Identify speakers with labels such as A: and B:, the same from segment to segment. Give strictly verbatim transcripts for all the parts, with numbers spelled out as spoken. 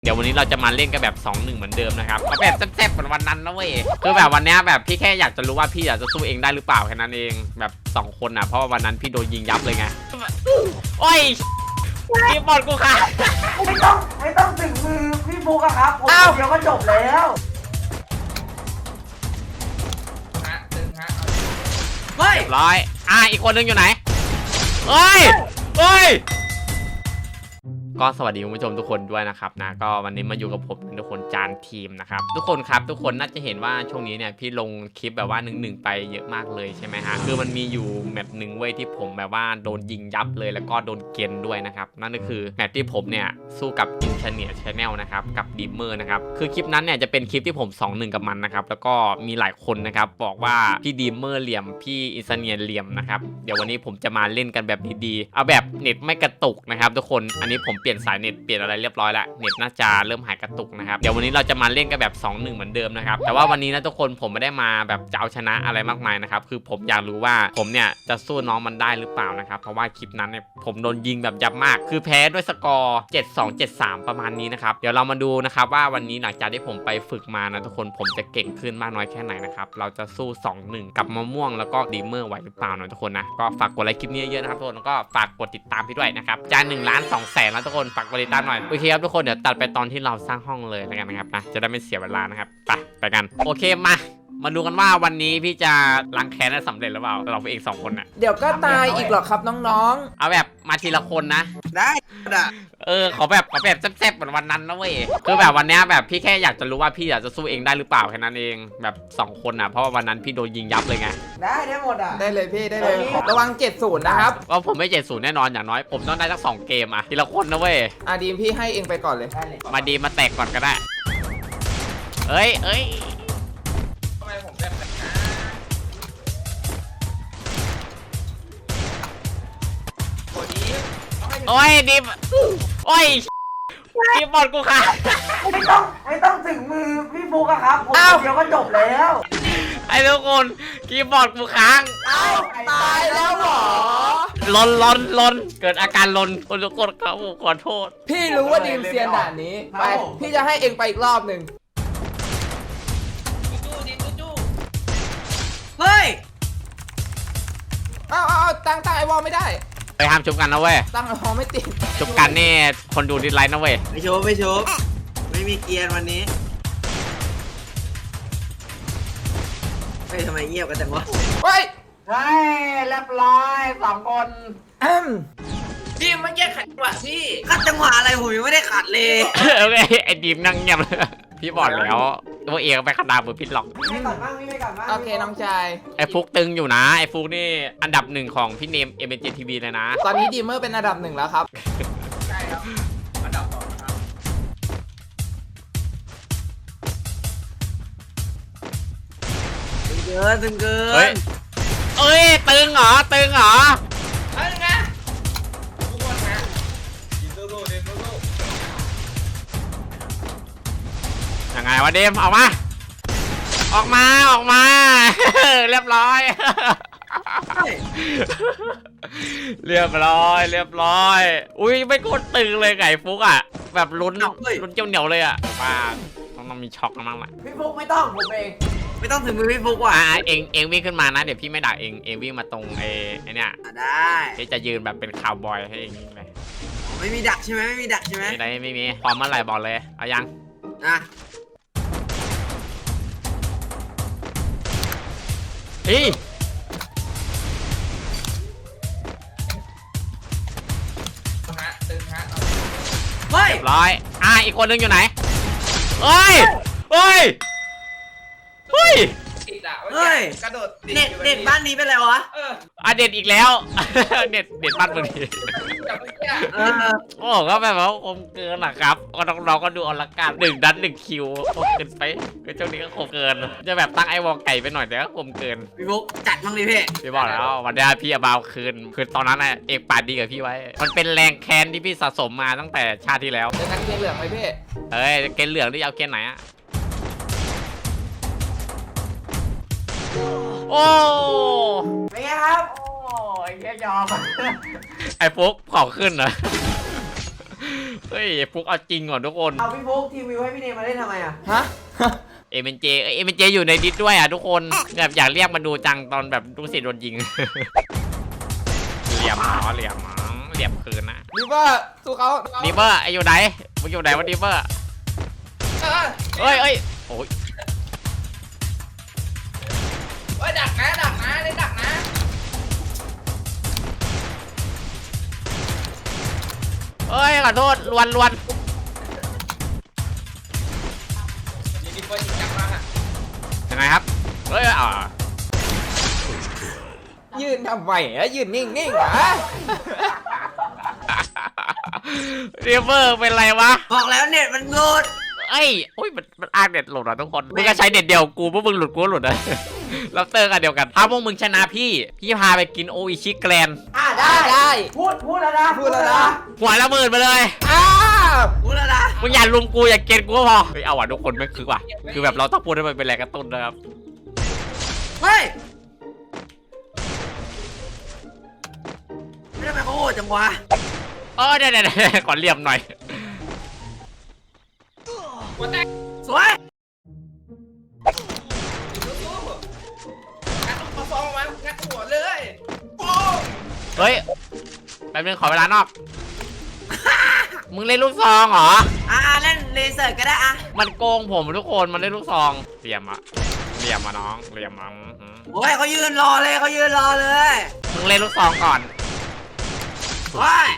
A: เดี๋ยววันนี้เราจะมาเล่นกันแบบสองหนึ่งเหมือนเดิมนะครับเอาแบบแซ่บๆเหมือนวันนั้นนะเว้ยคือแบบวันนี้แบบพี่แค่อยากจะรู้ว่าพี่อยากจะสู้เองได้หรือเปล่าแค่นั้นเองแบบสองคนอ่ะเพราะว่าวันนั้นพี่โดนยิงยับเลยไงโอ้ยพี่บอลกูค่ะ
B: ไม่ต้องไม่ต้องถึงมือพี่ฟุกอะครับผมเดียวก็จบแล้ว
A: ฮะตึงฮะเฮ้ยร้อยอ่ะอีกคนนึงอยู่ไหนเฮ้ยเฮ้ยก็สวัสดีคุณผู้ชมทุกคนด้วยนะครับนะก็วันนี้มาอยู่กับผมทุกคนจานทีมนะครับทุกคนครับทุกคนน่าจะเห็นว่าช่วงนี้เนี่ยพี่ลงคลิปแบบว่าหนึ่งหนึ่งไปเยอะมากเลยใช่ไหมฮะคือมันมีอยู่แมตช์หนึ่งเว้ยที่ผมแบบว่าโดนยิงยับเลยแล้วก็โดนเกณฑ์ด้วยนะครับนั่นก็คือแมตช์ที่ผมเนี่ยสู้กับอินเทอร์เน็ตชาแนลนะครับกับดีมเมอร์นะครับคือคลิปนั้นเนี่ยจะเป็นคลิปที่ผม สองหนึ่ง กับมันนะครับแล้วก็มีหลายคนนะครับบอกว่าพี่ดีมเมอร์เหลี่ยมพี่อินเทอร์เน็ตเหลี่ยมนะครับเดี๋ยววันนี้ผมจะมาเล่นกันแบบดีๆเอาแบบเน็ตไม่กระตุกนะครับทุกคนอันนี้ผมเปลี่ยนสายเน็ตเปลี่ยนอะไรเรียบร้อยแล้วเน็ตน่าจะเริ่มหายกระตุกนะครับเดี๋ยววันนี้เราจะมาเล่นกันแบบสองหนึ่งเหมือนเดิมนะครับแต่ว่าวันนี้นะทุกคนผมไม่ได้มาแบบจะเอาชนะอะไรมากมายนะครับคือผมอยากรู้ว่าผมเนี่ยจะสู้น้องมันได้หรือเปล่านะครับเพราะว่าคลิปนั้นเนี่ยผมโดนยิงแบบยับมากคือแพ้ด้วยสกอร์เจ็ดสอง เจ็ดสามประมาณนี้นะครับเดี๋ยวเรามาดูนะครับว่าวันนี้หลังจากที่ผมไปฝึกมานะทุกคนผมจะเก่งขึ้นมากน้อยแค่ไหนนะครับเราจะสู้สองหนึ่งกับมะม่วงแล้วก็ดีเมอร์ไหวหรือเปล่านะทุกคนนะก็ฝากกดไลค์คลิปนี้เยอะๆนะครับทุกคนแล้วก็ฝากกดติดตามพี่ด้วยนะครับจานหนึ่งล้านสองแสนแล้วทุกคนฝากกดติดตามหน่อยโอเคครับทุกคนเดี๋ยวตัดไปตอนที่เราสร้างห้องเลยแล้วกันนะครับนะจะได้ไม่เสียเวลานะครับไปไปกันโอเคมามาดูกันว่าวันนี้พี่จะล้างแค้นได้สำเร็จหรือเปล่าเราเองสองคนน่ะ
C: เดี๋ยวก็ตายอีกหรอกครับน้อง
A: ๆเอาแบบมาทีละคนนะ
B: ได้ด่ะ
A: เออขอแบบขอแบบแซ่บๆเหมือนวันนั้นนะเว้ยคือแบบวันนี้แบบพี่แค่อยากจะรู้ว่าพี่อยากจะสู้เองได้หรือเปล่าแค่นั้นเองแบบสองคนอ่ะเพราะว่าวันนั้นพี่โดนยิงยับเลยไง
B: ได้ได้หมดอ่ะ
C: ได้เลยพี่ได้เลยระวังเจ็ดศูนย์นะครับ
A: ก็ผมไม่เจ็ดศูนย์แน่นอนอย่างน้อยผมต้องได้สักสองเกมอ่ะทีละคนนะเว้ย
C: อ่ะดีมพี่ให้เองไปก่อนเลย
A: มาดีมาแตกก่อนก็ได้เอ้ยเอ้ยทำไมผมแบบโอ้ยดิมโอ้ยดิมบอลกูค่ะ
B: ไม่ต้องไม่ต้องถึงมือพี่ฟุกอะครับผมเดียวก็จบแล้ว
A: ไอ้ทุกคนคีย์บอร์ดกูค้าง
C: เอ้าตายแล้วหรอ
A: ลนลนลนเกิดอาการลนคนทุกคนครับผมขอโทษ
C: พี่รู้ว่าดีมเซียนด่านนี้ไปพี่จะให้เองไปอีกรอบหนึ่ง
A: จู้ดิจู้จู้
B: เฮ้ย
C: เอาเอาเอาตั้งตั้งไอวอลไม่ได้
A: ไปห้ามชุบกันนะเว้ย
C: ตั้งไอวอลไม่ติด
A: ชุบกันนี่คนดูดิสไลค์นะเว้ย
B: ไม่ชุบไม่ชุบไม่มีเกียร์วันนี้เฮ้ยทำไมเงียบกันจังวะ
C: เฮ้ย
B: เฮ้ยเรียบร้อยสองคน
C: อืม
B: ทีมมันแยกขัดจังหวะพี่ขัดจังหวะอะไรผมยังไม่ได้ขัดเลย
A: โอเคไอ้ดีมนั่งเงียบเลยพี่บอกแล้วตัวเองไปขนาดมือพิษหรอก
B: ไม่ก่อนบ้างไม่ก่อนบ้าง
C: โอเคน้องชาย
A: ไอ้ฟุกตึงอยู่นะไอ้ฟุกนี่อันดับหนึ่งของพี่เนมเอ็มเอ็นเจทีวีเลยนะ
C: ตอนนี้ดีมเมอร์เป็นอันดับหนึ่งแล้วครับ
B: ใช่ครับอันดับสองครับตึงเกินตึงเกิน
A: เฮ้ยเอ้ยตึงเหรอตึงเหรอ
B: เฮ้ยไงทุกคนนะดินโซ่ดินโซ่
A: ยังไงวะเดมออกมาออกมาออกมาเรียบร้อยเรียบร้อยเรียบร้อยอุ้ยไม่กดตึงเลยไก่ฟุกอ่ะแบบลุ้นลุ้นเจ้าเหนียวเลยอ่ะมาต้องมีช็อกกันบ้างแหละ
B: พี่ฟุกไม่ต้องผมเองไม่ต้องถึงมือพี่ฟุกว่ะ
A: อ่าเองเองวิ่งขึ้นมานะเดี๋ยวพี่ไม่ด่าเองเองวิ่งมาตรงไอ้ไอ้เนี่ย
B: ได้
A: ที่จะยืนแบบเป็นคาวบอยให้เองไป
B: ไม่มีดักใช่ไหมไม่มีดักใช่ไหม
A: ไม่ได้ไม่มีพร้อมเมื่อไหร่บอกเลยเอายัง
B: นะ
A: เฮ้ย
B: เฮ้ย
A: ร้อยอ่ะอีกคนนึงอยู่ไหนเฮ้ยเฮ้ยเฮ้ย
B: เฮ้ยกระโดดเน็ตเน็ตบ้านนี้เป็นไรวะ
A: อ่ะเด็ดอีกแล้วเด็ดเด็ดบ้านมึงดิโอ้ก็แบบว่าคมเกินนะครับก็น้องๆก็ดูอลังการหนึ่งดันหนึ่งคิวคมเกินไปก็ช่วงนี้ก็คมเกินจะแบบตั้งไอ้วอลไก่ไปหน่อยแต่ก็คมเกิน
B: พี่บุ๊กจัดบ้างดิพี่
A: พี่บอกแล้ววันนี้พี่เอาบาวคืนคือตอนนั้นเอกปาดดีกับพี่ไว้มันเป็นแรงแค้นที่พี่สะสมมาตั้งแต่ชาติที่แล้ว
C: เจอกันเกณฑ์เหลืองไหมพี่
A: เอ้ยเกณฑ์เหลืองที่เอาเกณฑ์ไหนอะโอ้
B: เป็นไงครับโอ้ยแค่ยอม
A: ไอ้ฟุกขอขึ้นเหรอเฮ้ยฟุกเอาจริงก่อนทุกคน
D: เอาพี่ฟุกทีมวิวให้พี่เนมมาเล่นทำไมอ่ะ
C: ฮะ
A: เอเมนเจเอเมนเจอยู่ในดิสด้วยอ่ะทุกคนแบบอยากเรียกมาดูจังตอนแบบลูกศิษย์โดนยิง เหลี่ยมหมอเหลี่ยมหมอเหลี่ยมคืนนะ
C: ดิเวอร์สู้เขา
A: ดีเบอร์ไออยู่ไหนมึงอยู่ไหนวะดีเบอร์
B: เออ
A: เอ้ยเอ้ยโอ้ย
B: เฮ้ยดักนะดักนะได้ดักนะ
A: เอ้ยขอโทษลวนลวน
B: ยิงดีเฟิร์สยิงจังมากอ่ะ
A: ยังไงครับเอ้ยอ่า
C: ยืนทำไมอะยืนนิ่งๆเหรอ
A: ดีเบอร์เป็นไรวะ
D: บอกแล้วเน็ตมันโหลด
A: เอ้ยโอ้ยมันมันอ้างเด็ดหลุดอ่ะทุกคนมึงก็ใช้เด็ดเดียวกูพวกมึงหลุดกูก็หลุดอ่ะ รับเตอร์กันเดียวกันถ้าพวกมึงชนะพี่พี่พาไปกินโออิชิแกรนด์
D: อ่ะ
C: ได้
D: ได้
C: ได้
D: พูดพูดแล้วนะ
C: พูดแล้วนะ
A: หัวละหมื่นไปเลย
C: อ้าว
D: พูดแล้วนะ
A: มึงอย่าลุมกูอย่าเกณฑ์กูก็พอเฮ้ยเอาว่ะทุกคนไม่คือว่ะคือแบบเราต้องพูดให้มันเป็นแรงกระตุ้นนะครับ
D: เฮ้ยไม่ทำไมเขาโหดจังวะ
A: เออเดี๋ยวเดี๋ยวขอเหลี่ยมหน่อย
B: หัวแตก
D: สวย
B: สู้ๆงัดเอาฟองมางัดหัวเลยโป้ง
A: เฮ้ยแป๊บนึงขอเวลานอก มึงเล่นลูกซองเหรอ
D: อ่ะเล่นเลเซอร์ก็ได้อ่ะ
A: มันโกงผมทุกคนมันเล่นลูกซองเหลี่ยมอะเหลี่ยมอะน้องเหลี่ยมอะอื้อหือ
D: โอ้ยเขายืนรอเลยเขายืนรอเลย
A: มึงเล่นลูกซองก่อน
D: โอ้ย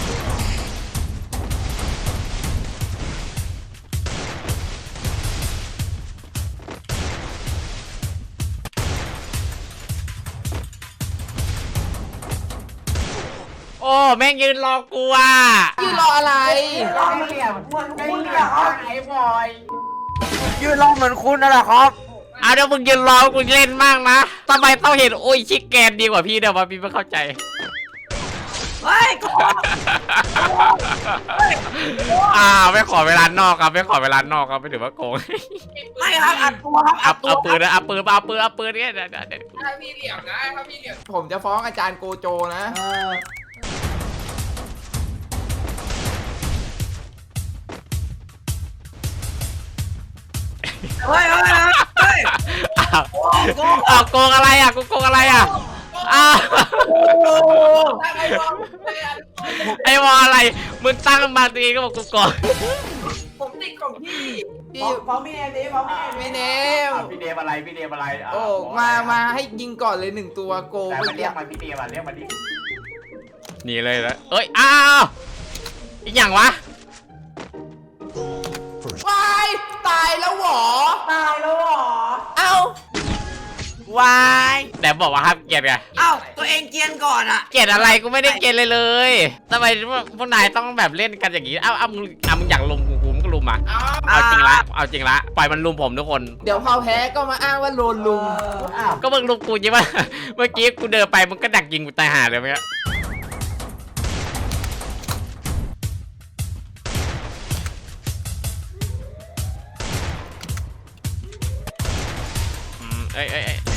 A: โอ้แม่งยืนรอกูอ่ะ
C: ยืนรออะไร
D: รอเหลี่ยมเหมือนคุณเหรอครับไอ้บอยยืนรอเหมือนคุณนั่นแหละครับ
A: เอาเดี๋ยวมึงยืนรอกูเล่นมากนะทำไมต้องเห็นโอ้ยชิคแกนดีกว่าพี่เดี๋ยวมาพี่ไม่เข้าใจ
D: เฮ้ยก่อน
A: อ่าไม่ขอเวลานอกครับไม่ขอเวลานอกครับไม่ถือว่าโกง
D: ไม่ครับอัดตัวครับอั
A: เอา
D: ดตัว
A: เอาปืนนะเอาปืนเอาปืนเอาปืนเนี่ยเดี๋ยวเดี๋ยวเดี๋ยว
B: ถ้ามีเหลี่ยมนะถ้ามีเหลี่ยม
C: ผมจะฟ้องอาจารย์โกโจนะ
D: เออเฮ้ยเฮ้ยเฮ้ย
A: อ้าวอ้าวโกงอะไรอ่ะกูโกงอะไรอ่ะอ้าว
B: ถ้าไอ้บอลไม่อัน
A: ไอ้วออะไรมึงตั้งมาตีก็บอกกูโกง
B: ผมติดของพี่
C: พี่
D: ฟ้องพี่เนมดิฟ้องพี่เนม
C: พี่เนม
E: พี่เดมอะไรพี่เดมอะไระ
C: โอ้
E: บก
C: มา
E: อะไร
C: มาให้ยิงก่อนเลยหนึ่งตัวโก
E: แต่
C: เมื่
E: มั
C: อน
E: เรี
C: กี้
E: ยกมาพี่เดมอ่ะเรียกมาดิ
A: หนีเลยแล้วเอ้ยอ้าวอีกอย่างวะ
C: วายตายแล้วเหรอ
D: ตายแล้วเหรอ
C: เอ้า
A: วายแต่บอกว่าห้ามเกลียดไง
D: เอ้าตัวเองเกรียนก่อนอ่ะ
A: เกลียดอะไรกูไม่ได้เกลียดเลยเลยทำไมพวกนายต้องแบบเล่นกันอย่างนี้เอ้าเอ้ามึงอ่ะมึงอยากลุมกูกูมึงก็ลุมมา
B: เอา
A: เอาจริงละเอาจริงละปล่อยมันลุมผมทุกคน
C: เดี๋ยวพอแพ้ก็มาอ้างว่าโดนลุม
D: อ้าว
A: ก็มึงลุมกูใช่ไหม เมื่อกี้กูเดินไปมึงก็ดักยิงกูตายห่าเลยเมื่อกี้อืมเอ้ยเอ้ยเอ้ย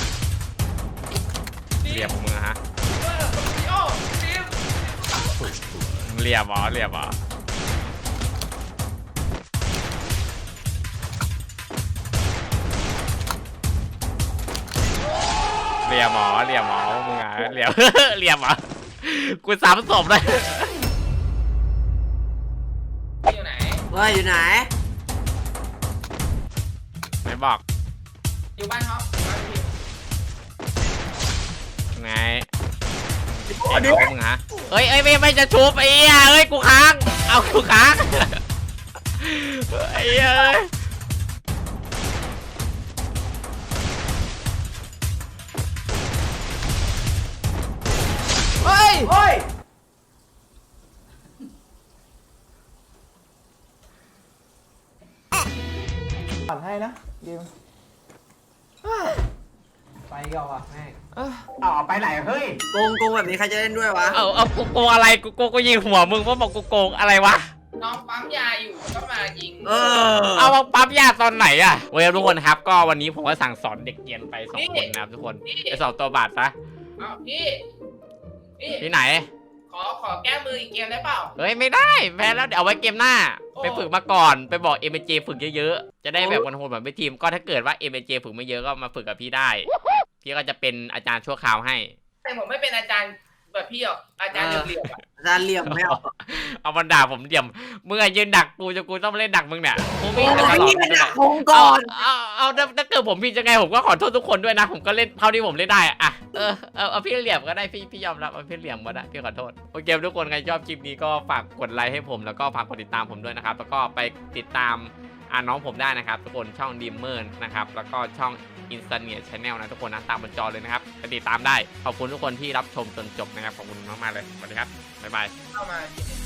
A: เรียบของมึงอะฮะ
B: เออโอ้ทีม
A: เรียบเหรอเรียบเหรอเรียบเหรอเรียบเหรอมึงอะเรียบ เรียบเหรอกูสามศพเลย
B: อยู่ไหน
D: เฮ้ยอยู่ไหน
A: ไหนบอก
B: อยู่บ้านเขาบ้านพี่
A: ไงเก่งของมึงฮะเอ้ยเอ้ยไม่ไม่จะชุบไอ้เหี้ยเอ้ยกูค้างเอากูค้างไอ้เหี้ยเอ้ย
C: เฮ้ย
D: เฮ้ย
C: ผ่อนให้นะดิม
D: ไปก่อนว่ะแม่ง
C: เอ้ย
E: เอาเอาไปไหนเฮ้ย
D: โกงโกงแบบนี้ใครจะเล่นด้วยวะ
A: เอาเอากูโกงอะไรกูโกงกูยิงหัวมึงว่าบอกกูโกงอะไรวะ
B: น้องปั๊มยาอยู่ก็มายิง
D: เออ
A: เอามาปั๊มยาตอนไหนอะโอเคทุกคนครับก็วันนี้ผมก็สั่งสอนเด็กเรียนไปสองคนนะครับทุกคนไปสอบตัวบาทซะ
B: เอาพี่พี่
A: ที่ไหน
B: ขออขอแก้มืออีกเกมได้เปล่า
A: เฮ้ยไม่ได้แพ้แล้วเดี๋ยวเอาไว้เกมหน้า
B: โอ้
A: ไปฝึกมาก่อนไปบอก เอ็ม เจ ฝึกเยอะๆจะได้แบบวันโหดแบบไม่ทีมก็ถ้าเกิดว่า เอ็ม เจ ฝึกไม่เยอะก็มาฝึกกับพี่ได้พี่ก็จะเป็นอาจารย์ชั่วคราวให้
B: แต่ผมไม่เป็นอาจารย์แบบพี่หรอกอาจารย์เหลี่ยมๆอะ
D: อาจารย์เหลี่ยมไม่เอา
A: เอามันด่าผมเดี่ยมมึงอะยืนดักกูจะกูต้องเล่นดักมึงเนี่ยมึงมี
D: โอ้
A: แต่ต
D: ย
A: ลอด
D: นี่เป็น
A: เลย
D: ดักคงก่อน
A: เอาเอาเอาถ้าเกิดผมผิดยังไงผมก็ขอโทษทุกคนด้วยนะ ผมก็เล่นเท่าที่ผมเล่นได้อะเออเอาเอาพี่เหลี่ยมก็ได้พี่พี่ยอมรับเอาพี่เหลี่ยมก็ได้พี่ขอโทษโอเคทุกคนใครชอบคลิปนี้ก็ฝากกดไลค์ให้ผมแล้วก็ฝากกดติดตามผมด้วยนะครับแล้วก็ไปติดตามอ่าน้องผมได้นะครับทุกคนช่องดีมเมอร์นะครับแล้วก็ช่องอินสตาเนียชาแนลนะทุกคนนะตามบนจอเลยนะครับไปติดตามได้ขอบคุณทุกคนที่รับชมจนจบนะครับขอบคุณมากๆเลยสวัสดีครับบ๊ายบาย
B: เข้ามา